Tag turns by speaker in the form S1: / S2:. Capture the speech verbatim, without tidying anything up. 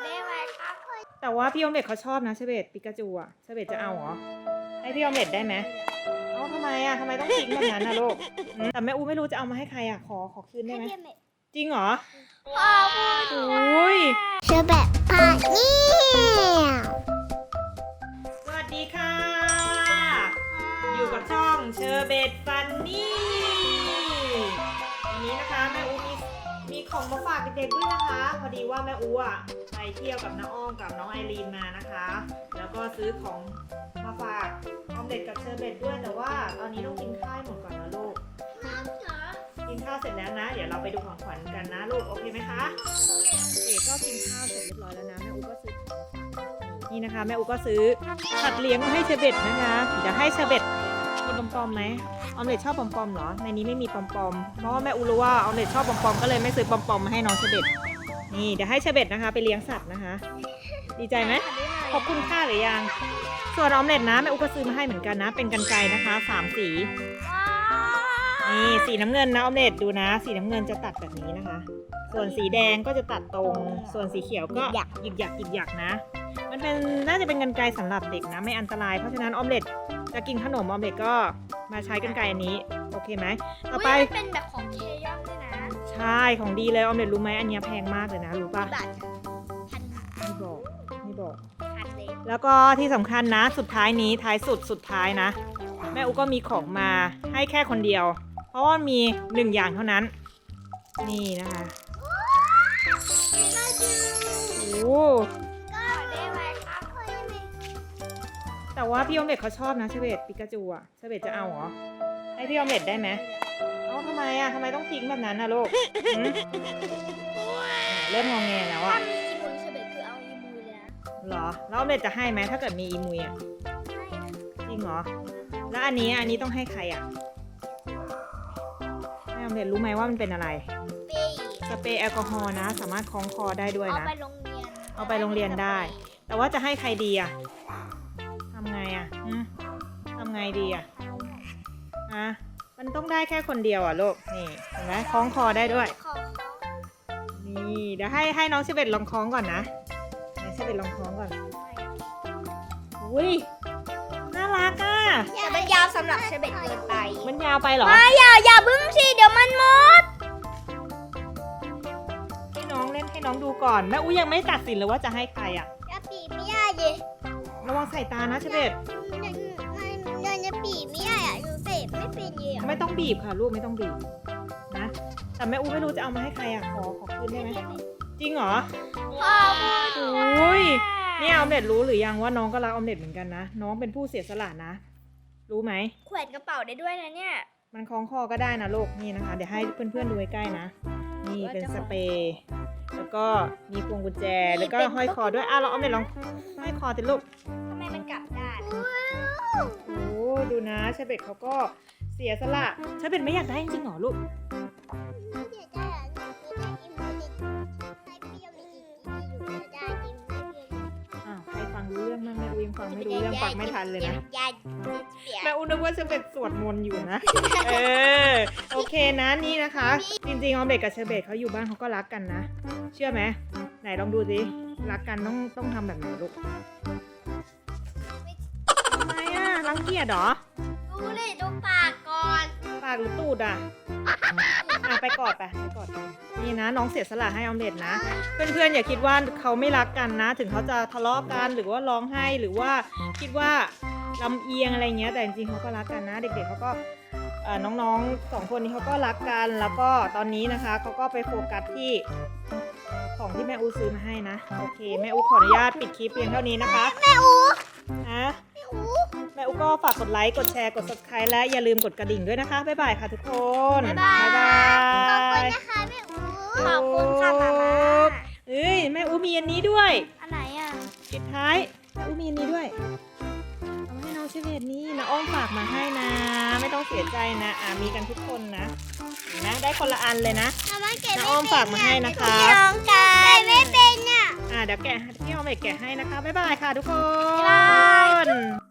S1: ได้ไหมครับ
S2: แต่ว่าพี่ออมเล็ตเขาชอบนะเชเบตปิกาจูอ่ะเชเบตจะเอาเหรอให้พี่ออมเล็ตได้ไหมเอ้าทำไมอ่ะทำไมต้องทิ้งแบบนั้นนะลูกอืมแต่แม่อูไม่รู้จะเอามาให้ใครอ่ะขอขอคืนได้ไหมจริงเหรอ
S1: ขอบคุณ
S2: โอ้ย
S1: เชอแบบพาเนี่ย
S2: สวัสดีค่ะ อยู่กับช่องเชอร์เบตฟันนี่วันนี้นะคะแม่อูมีมีของมาฝากเด็กๆด้วยนะคะ พอดีว่าแม่อูอ่ะไปเที่ยวกับน้าอ้อมกับน้องไอรีนมานะคะ แล้วก็ซื้อของมาฝากออมเด็ดกับเชอร์เบตด้วยแต่ว่าตอนนี้ต้องกินข้าวให้หมดก่อนนะลูกกินข้าวเสร็จแล้วนะ เดี๋ยวเราไปดูของขวัญกันนะลูกโอเคไหมคะเด็กก็กินข้าวเสร็จเรียบร้อยแล้วนะแม่อูก็ซื้อของมาฝากนี่นะคะแม่อูก็ซื้อสัตว์เลี้ยงมาให้เชอร์เบตนะคะเดี๋ยวให้เชอร์เบตกินปอมๆไหมออมเล็ตชอบปอมๆเหรอในนี้ไม่มีปอมๆเพราะว่าแม่อูรู้ว่าออมเล็ตชอบปอมๆก็เลยไม่ซื้อปอมๆมาให้น้องเชอร์เบตนี่เดี๋ยวให้เชอร์เบตนะคะไปเลี้ยงสัตว์นะคะดีใจไหมขอบคุณค่าหรือยังส่วนออมเล็ตนะแม่อูก็ซื้อมาให้เหมือนกันนะเป็นกรรไกรนะคะสามสีนี่สีน้ำเงินนะออมเล็ตดูนะสีน้ำเงินจะตัดแบบนี้นะคะส่วนสีแดงก็จะตัดตรงส่วนสีเขียวก็หยิกหยิกหยิกหยักนะมันเป็นน่าจะเป็นกรรไกรสำหรับเด็กนะไม่อันตรายเพราะฉะนั้นออมเล็ตจะกินขนมออมเล็ตก็มาใช้กรรไกรอันนี้โอเคไหมต่อไป
S1: เป็นแบบของเคยอนด้วยนะ
S2: ใช่ของดีเลยออมเล็ตรู้ไหมอันนี้แพงมากเลยนะรู้ป่ะ
S1: บาทพัน
S2: ไม่บอกไม่บอก
S1: พันเลย
S2: แล้วก็ที่สำคัญนะสุดท้ายนี้ท้ายสุดสุดท้ายนะแม่อุก็มีของมาให้แค่คนเดียว เพราะว่ามีหนึ่งอย่างเท่านั้นนี่นะคะโอ้
S1: ก็ได้ไหมครับเคยไหม
S2: แต่ว่าพี่ออมเล็ตเขาชอบนะเชเบตปิกาจูอ่ะเชเบตจะเอาเหรอให้พี่ออมเล็ตได้ไหมเอ้าทำไมอ่ะทำไมต้องทิ้งแบบนั้นนะลูกหืมเริ่มงองแงแล้วอ่ะ
S1: ถ้ามีอีมุนเชอแบบคือเอาอีมุนเลยนะ
S2: เหรอแล้วออมเล็ตจะให้ไหมถ้าเกิดมีอีมุยอ่ะ
S1: ให้นะ
S2: จริงเหรอแล้วอันนี้อันนี้ต้องให้ใครอ่ะแม่ออมเล็ตรู้ไหมว่ามันเป็นอะไร
S1: ปี
S2: สเปรย์แอลกอฮอล์นะสามารถคล้องคอได้ด้วย
S1: เอา
S2: นะ
S1: ไปโรงเรียน
S2: เอาไปโรงเรียนได้ แต่ว่าจะให้ใครดีอ่ะทำไงอ่ะหืมทำไงดีอ่ะฮะมันต้องได้แค่คนเดียวอ่ะลูกนี่เห็นไหมคล้องคอได้ด้วย
S1: ขอ
S2: นี่เดี๋ยวให้ให้น้องเชเบตลองคล้องก่อนนะไหนเชเบตลองคล้องก่อนอุ้ยน่ารักอ่ะ
S1: แต่มันยาวสำหรับเชอแบบเกินไป
S2: มันยาวไปเหรอ
S1: ไม่อย่าอย่าบึ้งสิเดี๋ยวมันหมด
S2: ให้น้องเล่นให้น้องดูก่อนแม่อุ้ยยังไม่ตัดสินเลยว่าจะให้ใครอ่ะ
S1: อย่าปีไม่ได้ดิ
S2: ระวังใส่ตานะเชเบต
S1: ยังจะปีไม่ได้อะอยู่เสพไม่เป็นเลยอะ
S2: ไม่ต้องบีบค่ะลูกไม่ต้องบีบนะแต่แม่อุ้ยไม่รู้จะเอามาให้ใครอ่ะขอขอคืนได้ไหมจริงเหรอ
S1: ขอบคุณ
S2: โอ้ยเนี่ยออมเล็ตรู้หรือยังว่าน้องก็รักออมเล็ตเหมือนกันนะน้องเป็นผู้เสียสละนะ รู้ไหม
S1: แขวนกระเป๋าได้ด้วยนะเนี่ย
S2: มันคล้องคอก็ได้นะลูกนี่นะคะ เดี๋ยวให้เพื่อนๆดูใกล้ๆนะนี่เป็นสเปรย์แล้วก็มีพวงกุญแจแล้วก็ห้อยคอด้วยอ่ะเราออมเล็ตลองห้อยคอติลูก
S1: ทำไมมันกลับด้าน
S2: โอ้ดูนะเชเบตเขาก็เสียสละเชเบตไม่อยากได้จริงๆหรอลูกอ้าวใครฟังรู้เรื่องบ้างแม่อุ้ยยังฟังไม่รู้เรื่องฟังไม่ทันเลยนะ แม่อุ้นึกว่าเชอร์เบตสวดมนต์อยู่นะ เออ โอเคนะนี่นะคะ จริงๆออมเล็ตกับเชอร์เบตเขาอยู่บ้านเขาก็รักกันนะ เชื่อไหมไหนลองดูสิ รักกันต้องต้องทำแบบไหนลูกทำไมอ่ะรังเกียจเหรอ
S1: ดูเลยดูปากก่อน
S2: ปากหรือตูดอ่ะ อ่ะไปกอดไปไปกอดกันนี่นะน้องเสียสละให้ออมเล็ตนะ เพื่อนๆอย่าคิดว่าเขาไม่รักกันนะ ถึงเขาจะทะเลาะกันหรือว่าร้องไห้หรือว่าคิดว่าลำเอียงอะไรเงี้ยแต่จริงๆเขาก็รักกันนะ เด็กๆเขาก็เอ่อน้องๆสองคนนี้เขาก็รักกันแล้วก็ตอนนี้นะคะเขาก็ไปโฟกัสที่ของที่แม่อูซื้อมาให้นะโอเคแม่อูขออนุญาตปิดคลิปเพียงเท่านี้นะคะแม่อูฮะแม่อูก็ฝากกดไลค์กดแชร์กด ซับสไครบ์ และอย่าลืมกดกระดิ่งด้วยนะคะบ๊ายบายค่ะทุกคน
S1: บ๊ายบาย
S2: บ๊ายบาย
S1: ขอบคุณนะคะแม่อูขอบคุณค่ะมาม่า
S2: เอ้ยแม่อูมีอันนี้ด้วย
S1: อันไหนอ่ะ
S2: ปิดท้ายแม่อูมีอันนี้ด้วยเอามาให้น้องเชเวตนี่นะอ้อมฝากมาให้นะ ไม่ต้องเสียใจนะอ่ามีกันทุกคนนะนะได้คนละอันเลยนะ น้าอ้อมฝากมาให้นะคะ
S1: น้องกายไม่เป็นอ่ะ
S2: อ่าเดี๋ยวแกะพี่อ้อมเอกแกะให้นะคะบ๊ายบายค่ะทุกคน
S1: บ๊ายบาย